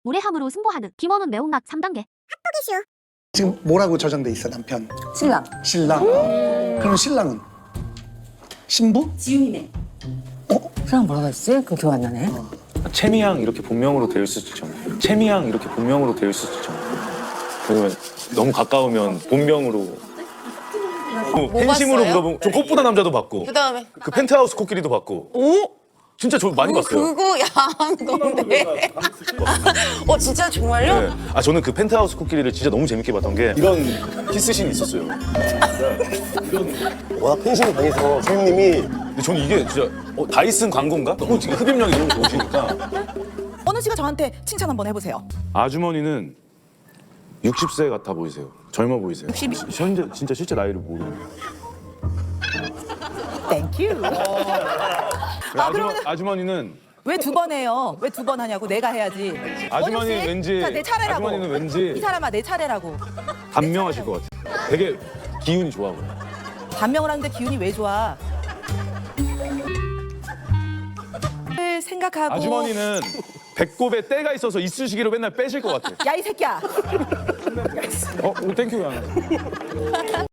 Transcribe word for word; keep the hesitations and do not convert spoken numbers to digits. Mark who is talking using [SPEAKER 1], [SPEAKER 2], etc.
[SPEAKER 1] 무례함으로 승부하듯 김원훈 매운맛 삼 단계.
[SPEAKER 2] 지금 뭐라고 저장돼 있어 남편?
[SPEAKER 3] 신랑.
[SPEAKER 2] 신랑. 그럼 신랑은? 신부?
[SPEAKER 3] 지훈이네.
[SPEAKER 2] 어?
[SPEAKER 3] 신랑 뭐라고 했지? 그 기억 안 나네.
[SPEAKER 4] 채미양 이렇게 본명으로 되어 있을 수도 있잖아요. 채미양 이렇게 본명으로 되어 있을 수도 있잖아요. 그러면 너무 가까우면 본명으로. 어, 팬심으로
[SPEAKER 5] 봤어요?
[SPEAKER 4] 물어보면 저 꽃보다 남자도 봤고
[SPEAKER 5] 그 다음에
[SPEAKER 4] 그 펜트하우스 코끼리도 봤고. 오? 진짜 저 많이 봤어요.
[SPEAKER 5] 그거 야한 건데. 어 진짜 정말요?
[SPEAKER 4] 네. 아 저는 그 펜트하우스 코끼리를 진짜 너무 재밌게 봤던 게 이런 키스신이 있었어요.
[SPEAKER 6] 워낙 팬심이 강해서 선생님이
[SPEAKER 4] 근데 저는 이게 진짜 어, 다이슨 광고인가? 너무 지금 흡입력이 너무 좋으시니까.
[SPEAKER 7] 원훈 씨가 저한테 칭찬 한번 해보세요.
[SPEAKER 4] 아주머니는 육십 세 같아 보이세요. 젊어 보이세요.
[SPEAKER 7] 육십이.
[SPEAKER 4] 현재 진짜 실제 나이를 모르는.
[SPEAKER 7] 땡큐.
[SPEAKER 4] 아, 아주머,
[SPEAKER 7] 그러면은-
[SPEAKER 4] 아주머니는
[SPEAKER 7] 왜 두 번 해요? 왜 두 번 하냐고 내가 해야지.
[SPEAKER 4] 아주머니
[SPEAKER 7] 원훈 씨,
[SPEAKER 4] 왠지
[SPEAKER 7] 자, 내 차례라고.
[SPEAKER 4] 아주머니는 왠지
[SPEAKER 7] 이 사람아 내 차례라고.
[SPEAKER 4] 단명하실 것 같아요. 되게 기운이 좋아 보여.
[SPEAKER 7] 단명을 하는데 기운이 왜 좋아? 생각하고.
[SPEAKER 4] 아주머니는 배꼽에 때가 있어서 이쑤시개로 맨날 빼실 것 같아.
[SPEAKER 7] 야 이 새끼야.
[SPEAKER 4] 어, 땡큐.